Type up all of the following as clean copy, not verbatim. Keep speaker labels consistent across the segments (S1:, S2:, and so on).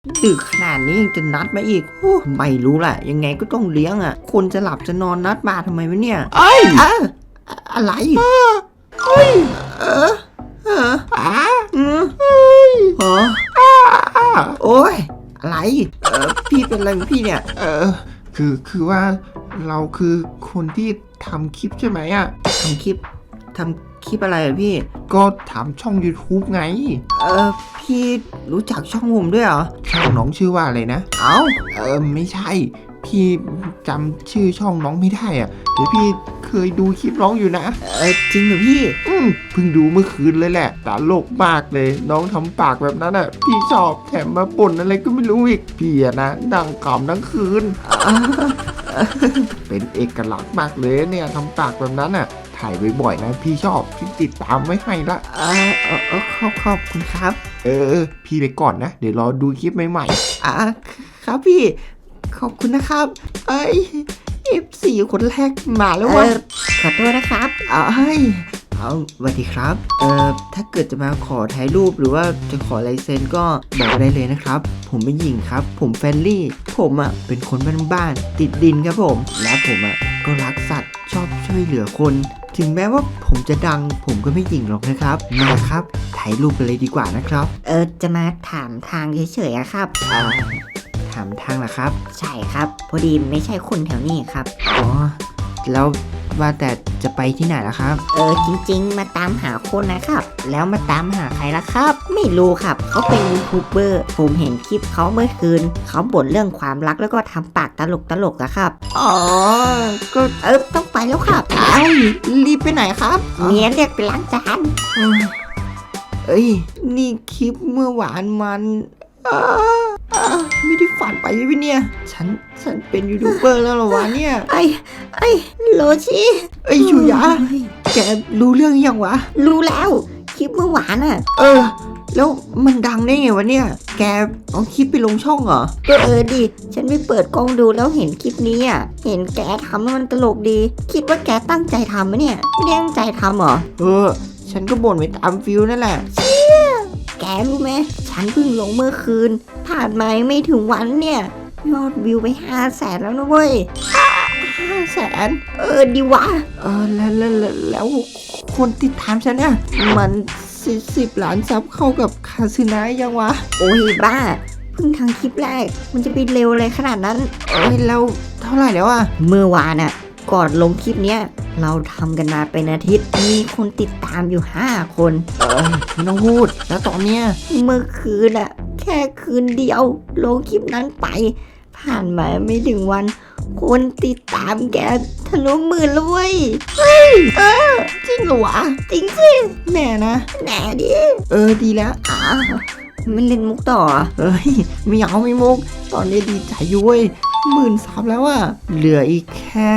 S1: ดึกขนาดนี้ยังจะนัดมาอีกโอ้ไม่รู้แหละยังไงก็ต้องเลี้ยงอ่ะคนจะหลับจะนอนนัดมาทำไมวะเนี่ย
S2: เอ้ย
S1: อะไร
S2: เอ้ย
S1: เออ
S2: อ้า
S1: อืมเหรอโอ้ยอะไรพี่เป็นอะไรของพี่เนี่ย
S2: คือว่าเราคือคนที่ทำคลิปใช่ไหมอ่ะ
S1: ทำคลิปอะไรอะพี่
S2: ก็ทำช่อง YouTube ไง
S1: พี่รู้จักช่องผมด้วยเหรอ
S2: ช่องน้องชื่อว่าอะไรนะ
S1: เอ้า
S2: ไม่ใช่พี่จำชื่อช่องน้องไม่ได้อ่ะเดี๋ยวพี่เคยดูคลิปน้องอยู่นะ
S1: จริงเหรอพี่
S2: เพิ่งดูเมื่อคืนเลยแหละตลกมากเลยน้องทำปากแบบนั้นอ่ะพี่ชอบแถมมาป่นอะไรก็ไม่รู้อีกพี่อะนะนั่งขำทั้งคืนเป็นเอกลักษณ์มากเลยเนี่ยทำปากแบบนั้นอ่ะถ่ายบ่อยๆนะพี่ชอบพี่ติดตามไว้ให้ละ
S1: ขอบคุณครับ
S2: พี่ไปก่อนนะเดี๋ยวรอดูคลิปใหม่
S1: ๆครับพี่ขอบคุณนะครับF4 คนแรกมาแล้ววะ
S3: ขอโทษนะครับ
S1: สวัสดีครับถ้าเกิดจะมาขอถ่ายรูปหรือว่าจะขอลายเซ็นก็บอกได้เลยนะครับผมเป็นหญิงครับผมแฟรนลี่ผมเป็นคนบ้านๆติดดินครับผมและผมก็รักสัตว์ชอบช่วยเหลือคนถึงแม้ว่าผมจะดังผมก็ไม่หยิ่งหรอกนะครับมาครับถ่ายรูปกันเลยดีกว่านะครับ
S3: จะมาถามทางเฉยๆอะครับ
S1: ถามทางเหรอครับ
S3: ใช่ครับพอดีไม่ใช่คนแถวนี้ครับ
S1: อ๋อแล้วว่าแต่จะไปที่ไหนล่ะครับ
S3: จริงๆมาตามหาคนนะครับแล้วมาตามหาใครล่ะครับไม่รู้ครับเขาเป็นยูทูบเบอร์ผมเห็นคลิปเขาเมื่อคืนเขาบ่นเรื่องความรักแล้วก็ทำปากตลกอะครับ
S1: อ๋อก็
S3: ต้องไปแล้วครับ
S1: รีบไปไหนครับ
S3: เมียเรียกไปล้างจาน
S1: นี่คลิปเมื่อวานมันไม่ได้ฝันไปใช่ไหมเนี่ยฉันเป็นยูทูบเบอร์แล้วเหรอวะเนี่ย
S3: โรชิ
S1: ชูยะแกรู้เรื่องยังวะ
S3: รู้แล้วคลิปเมื่อวาน
S1: แล้วมันดังได้ไงวะเนี่ยแกเอาคลิปไปลงช่องเหรอ
S3: ก็ดิฉันไปเปิดกล้องดูแล้วเห็นคลิปนี้เห็นแกทำมันตลกดีคิดว่าแกตั้งใจทำไหมเนี่ยไม่ได้ตั้งใจทำเหรอ
S1: ฉันก็บ่นไปตามฟิลนั่นแหละ
S3: แกรู้ไหมฉันเพิ่งลงเมื่อคืนผ่านมาไม่ถึงวันเนี่ยยอดวิวไป500,000แล้วนะเว้ย
S1: 500,000
S3: ดีวะ
S1: แล้วคนติดตามฉันเนี่ยมัน10 ล้านซับเข้ากับคาซึนะยังวะ
S3: โอ้ยบ้าเพิ่งทางคลิปแรกมันจะไปเร็วเลยขนาดนั้น
S1: แล้วเท่าไหร่แล้ว
S3: เมื่อวานก่อนลงคลิปเนี้ยเราทำกันมาเป็นอาทิตย์มีคนติดตามอยู่5 คน
S1: ไม่ต้องพูดแล้วตอนเนี้ย
S3: เมื่อคืนแค่คืนเดียวลงคลิปนั้นไปผ่านมาไม่ถึงวันคนติดตามแกทะลุ10,000แล้วเว้ย
S1: จริงเหรอวะ
S3: จริงสิ
S1: แน่นะ
S3: แน่ดิ
S1: ดีแล้ว
S3: มันเล่นมุกต่อ
S1: ไม่เอาไม่มุกตอนนี้ดีใจอยู่เว้ย10,000 ซับแล้วเหลืออีกแค่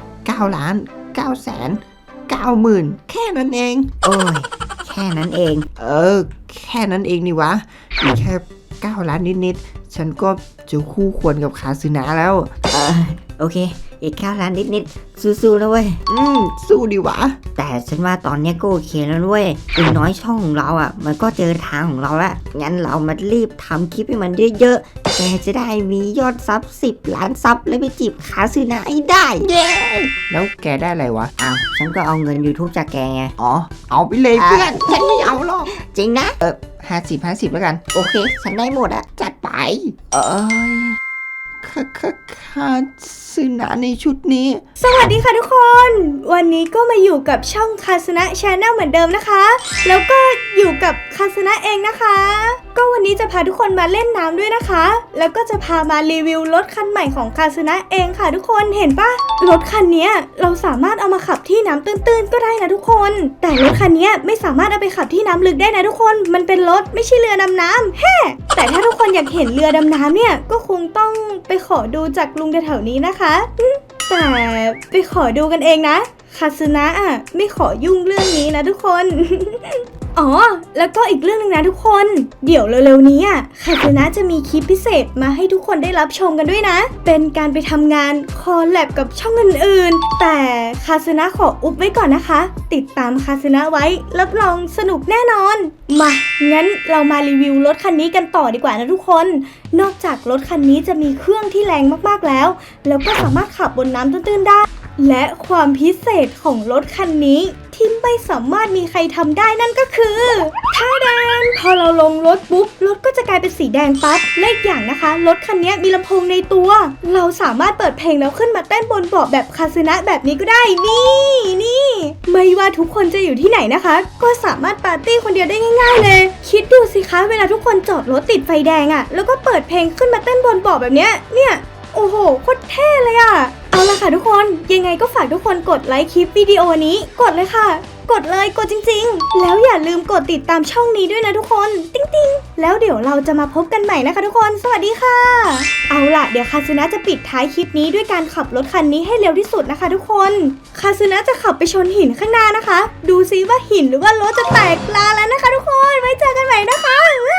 S1: 9,990,000แค่นั้นเอง
S3: แค่นั้นเอง
S1: แค่นั้นเองนี่วะอีกแค่9 ล้านนิดๆฉันก็จะคู่ควรกับคาซึนะแล้ว
S3: โอเคอีก9 ล้านนิดสู้ๆแล้วเว้ย
S1: สู้ดีวะ
S3: แต่ฉันว่าตอนนี้ก็โอเคแล้วเว้ยอย่างน้อยช่องของเรามันก็เจอทางของเราแล้วงั้นเรามารีบทำคลิปให้มันเยอะๆแกจะได้มียอดซับ10 ล้านซับแล้วไปจีบคาซึนะให้ได้
S1: เย้แล้วแกได้อะไรวะ
S3: ฉันก็เอาเงิน YouTube จากแกไง
S1: เอาไปเลยเพื่อนฉันไม่เอาหรอก
S3: จริงนะ
S1: 50แล้วกัน
S3: โอเคฉันได้หมดจัดไป
S1: คาซึนะในชุดนี้
S4: สวัสดีค่ะทุกคนวันนี้ก็มาอยู่กับช่องคาซึนะชาแนลเหมือนเดิมนะคะแล้วก็อยู่กับคาซึนะเองนะคะก็วันนี้จะพาทุกคนมาเล่นน้ำด้วยนะคะแล้วก็จะพามารีวิวรถคันใหม่ของคาซึนะเองค่ะทุกคนเห็นปะรถคันนี้เราสามารถเอามาขับที่น้ำตื้นๆก็ได้นะทุกคนแต่รถคันนี้ไม่สามารถเอาไปขับที่น้ำลึกได้นะทุกคนมันเป็นรถไม่ใช่เรือดำน้ำแต่ถ้าทุกคนอยากเห็นเรือดำน้ำเนี่ยก็คงต้องไปขอดูจากลุงแถวๆนี้นะคะแต่ไปขอดูกันเองนะคาซึนะไม่ขอยุ่งเรื่องนี้นะทุกคนอ๋อแล้วก็อีกเรื่องนึงนะทุกคนเดี๋ยวเร็วๆนี้อ่ะคาสึนะจะมีคลิปพิเศษมาให้ทุกคนได้รับชมกันด้วยนะเป็นการไปทำงานคอลแลบกับช่องอื่นๆแต่คาสึนะขออุบไว้ก่อนนะคะติดตามคาสึนะไว้รับรองสนุกแน่นอนมางั้นเรามารีวิวรถคันนี้กันต่อดีกว่านะทุกคนนอกจากรถคันนี้จะมีเครื่องที่แรงมากๆแล้วก็สามารถขับบนน้ำตื้นๆได้และความพิเศษของรถคันนี้ที่ไม่สามารถมีใครทำได้นั่นก็คือท่าแดงพอเราลงรถปุ๊บรถก็จะกลายเป็นสีแดงปั๊บและอีกอย่างนะคะรถคันนี้มีลำโพงในตัวเราสามารถเปิดเพลงแล้วขึ้นมาเต้นบนเบาะแบบคาสึนะแบบนี้ก็ได้นี่ไม่ว่าทุกคนจะอยู่ที่ไหนนะคะก็สามารถปาร์ตี้คนเดียวได้ง่ายๆเลยคิดดูสิคะเวลาทุกคนจอดรถติดไฟแดงอะแล้วก็เปิดเพลงขึ้นมาเต้นบนเบาะแบบเนี้ยโอ้โหโคตรเท่เลยอะเอาละค่ะทุกคนยังไงก็ฝากทุกคนกดไลค์คลิปวิดีโอนี้กดเลยค่ะกดเลยกดจริงๆแล้วอย่าลืมกดติดตามช่องนี้ด้วยนะทุกคนติ๊งๆแล้วเดี๋ยวเราจะมาพบกันใหม่นะคะทุกคนสวัสดีค่ะเอาล่ะเดี๋ยวคาสึนะจะปิดท้ายคลิปนี้ด้วยการขับรถคันนี้ให้เร็วที่สุดนะคะทุกคนคาสึนะจะขับไปชนหินข้างหน้านะคะดูซิว่าหินหรือว่ารถจะแตกลาแล้วนะคะทุกคนไว้เจอกันใหม่นะคะ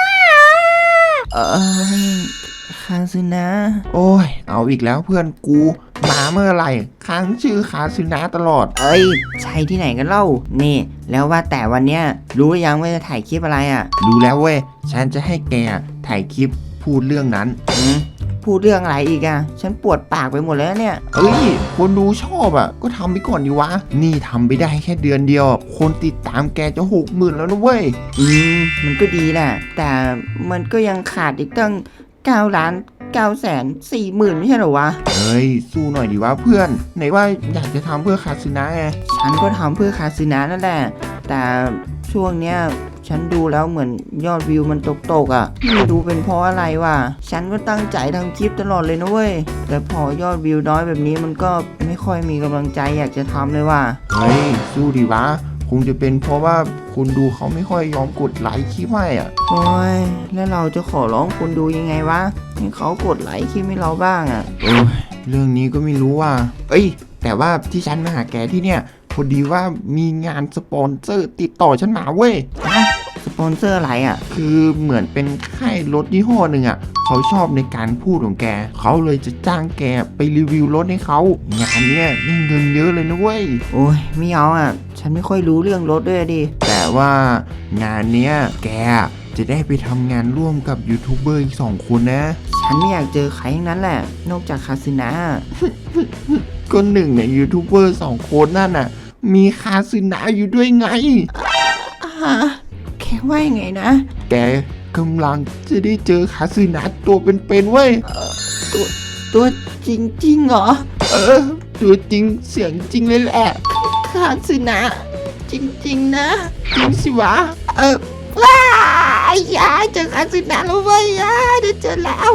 S1: คาสึนะ
S2: โอ้ยเอาอีกแล้วเพื่อนกูมาเมื่อไหร่ค้างชื่อคาสึนะตลอด
S1: เอ้ยใช่ที่ไหนกันเล่านี่แล้วว่าแต่วันเนี้ยรู้หรือยังว่าจะถ่ายคลิปอะไรอ่ะ
S2: รู้แล้วเว้ยฉันจะให้แกถ่ายคลิปพูดเรื่องนั้น
S1: พูดเรื่องอะไรอีกอ่ะฉันปวดปากไปหมดแล้วเนี่ย
S2: เอ้ยคนดูชอบอ่ะก็ทำไปก่อนดีวะนี่ทำไปได้แค่เดือนเดียวคนติดตามแกจะ60,000แล้วนะเว้ย
S1: มันก็ดีแหละแต่มันก็ยังขาดอีกตั้ง9,940,000ไม่ใช่เหรอวะ
S2: เฮ้ยสู้หน่อยดีวะเพื่อนไหนว่าอยากจะทำเพื่อคาสึนะไง
S1: ฉันก็ทำเพื่อคาสึนะนั่นแหละแต่ช่วงเนี้ยฉันดูแล้วเหมือนยอดวิวมันตกอ่ะไม่รู้เป็นเพราะอะไรวะฉันก็ตั้งใจทำคลิปตลอดเลยนะเว้ยแต่พอยอดวิวน้อยแบบนี้มันก็ไม่ค่อยมีกำลังใจอยากจะทำเลยว่ะ
S2: เฮ้ยสู้ดีวะคงจะเป็นเพราะว่าคนดูเขาไม่ค่อยยอมกดไลค์คลิปให้อ่ะ
S1: โอ้ยแล้วเราจะขอร้องคนดูยังไงวะให้เขากดไลค์คลิปให้เราบ้างอ่ะ
S2: เรื่องนี้ก็ไม่รู้ว่าเอ้ยแต่ว่าที่ฉันมาหาแกที่เนี่ยพอดีว่ามีงานสปอนเซอร์ติดต่อฉันมาเว้ย
S1: สปอนเซอร์อะไรอ่ะ
S2: คือเหมือนเป็นค่ายรถยี่ห้อหนึ่งอ่ะเขาชอบในการพูดของแกเขาเลยจะจ้างแกไปรีวิวรถให้เขางานเนี้ยได้เงินเยอะเลยนะเว้ย
S1: โอ้ยไม่เอาอ่ะฉันไม่ค่อยรู้เรื่องรถด้วยดิ
S2: แต่ว่างานเนี้ยแกจะได้ไปทำงานร่วมกับยูทูบเบอร์อีก2 คนนะ
S1: ฉันไม่อยากเจอใครทั้งนั้นแหละนอกจากคาสึนะ
S2: ก็หนึ่งเนี่ยยูทูบเบอร์2 คนนั่นน่ะมีคาสึนะอยู่ด้วยไง
S1: แค่ว่ายังไงนะ
S2: แกกำลังจะได้เจอคาสึนะตัวเป็นๆเว้ย
S1: ตัวจริงเหรอ
S2: ตัวจริงเสียงจริงเลยแหละ
S1: คาสึนะจริงนะ
S2: จริงสิวะ
S1: ว้ายาเจอคาสึนะแล้วเว้ยได้เจอแล้ว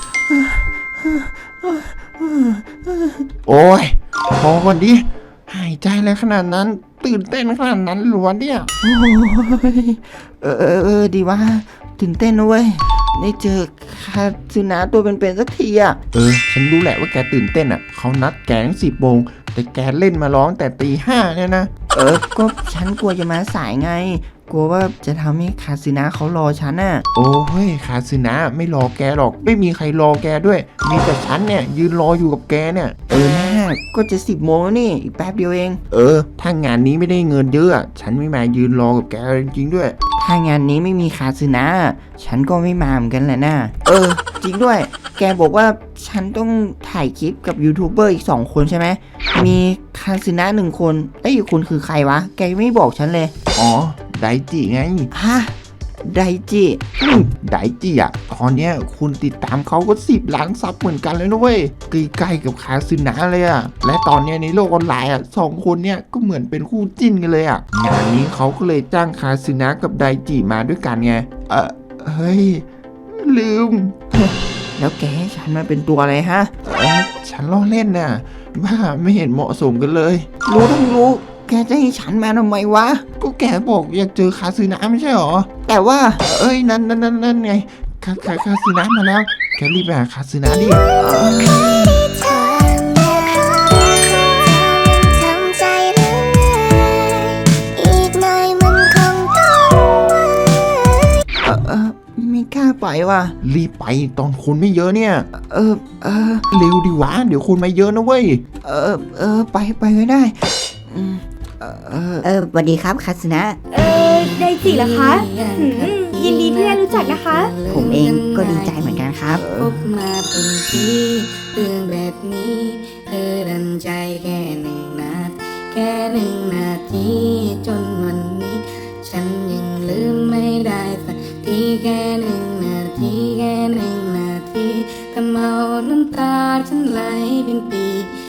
S2: โอ้ยพอก่อนดิหายใจอะไรขนาดนั้นตื่นเต้นขนาดนั้นหรอเนี่ย
S1: โอ้ยดีว่าตื่นเต้นนะเว้ยได้เจอคาสึนะตัวเป็นๆสักทีอ่ะ
S2: ฉันรู้แหละว่าแกตื่นเต้นอ่ะเขานัดแกตั้ง10 โมงแต่แกเล่นมาร้องแต่ตี 5เนี่ยนะ
S1: ก็ฉันกลัวจะมาสายไงกลัวว่าจะทำให้คาสึนะเขารอฉันน่ะ
S2: โอ้เฮ้ยคาสึนะไม่รอแกหรอกไม่มีใครรอแกด้วยมีแต่ฉันเนี่ยยืนรออยู่กับแกเนี่ย
S1: แม่ก็จะ10 โมงแล้วนี่อีกแป๊บเดียวเอง
S2: ถ้างานนี้ไม่ได้เงินเยอะฉันไม่มายืนรอกับแกจริงๆด้วย
S1: ถ้างานนี้ไม่มีคาสึนะฉันก็ไม่มาเหมือนกันแหละนะจริงด้วยแกบอกว่าฉันต้องถ่ายคลิปกับยูทูบเบอร์อีก2 คนใช่ไหมมีคาสึนะ1 คนอีกคนคือใครวะแกไม่บอกฉันเลย
S2: อ๋อไดจิไง
S1: ฮะไดจิ
S2: ไดจิอ่ะตอนเนี้ยคุณติดตามเขาก็10 ล้านซับเหมือนกันเลยนะเว้ยใกล้ๆกับคาสึนะเลยอ่ะและตอนเนี้ยในโลกออนไลน์อ่ะ2 คนเนี้ยก็เหมือนเป็นคู่จิ้นกันเลยอ่ะงานนี้เขาก็เลยจ้างคาสึนะกับไดจิมาด้วยกันไงเฮ้ยลืม
S1: แล้วแกให้ฉันมาเป็นตัวอะไรฮะ
S2: ฉันล้อเล่นน่ะว่าไม่เห็นเหมาะสมกันเลย
S1: รู้ทั้งรู้แกจะให้ฉันมาทำไมวะ
S2: ก็แกบอกอยากเจอคาสึนะไม่ใช่หรอ
S1: แต่ว่า
S2: นั่นไงคาสึนะมาแล้วแกรีบไปหาคาสึนะดิ
S1: ว่ะ
S2: รีบไปตอนคนไม่เยอะเนี่ย
S1: เออเออ
S2: เร็วดิวะเดี๋ยวคนมาเยอะนะเว้ย
S1: ไปก็ได้อืม
S3: สวัสดีครับคาสนะ
S4: ไดจิเหรอคะยินดีที่ได้รู้จักนะคะ
S3: ผมเองก็ดีใจเหมือนกันครับ
S5: พบมาเป็นปีเรื่องแบบนี้เธอดันใจแค่1 นาทีจนวันนี้ ฉันยังลืมไม่ได้สักทีแค่1 นาทีทำเอาน้ำตาฉันไหลเป็นปี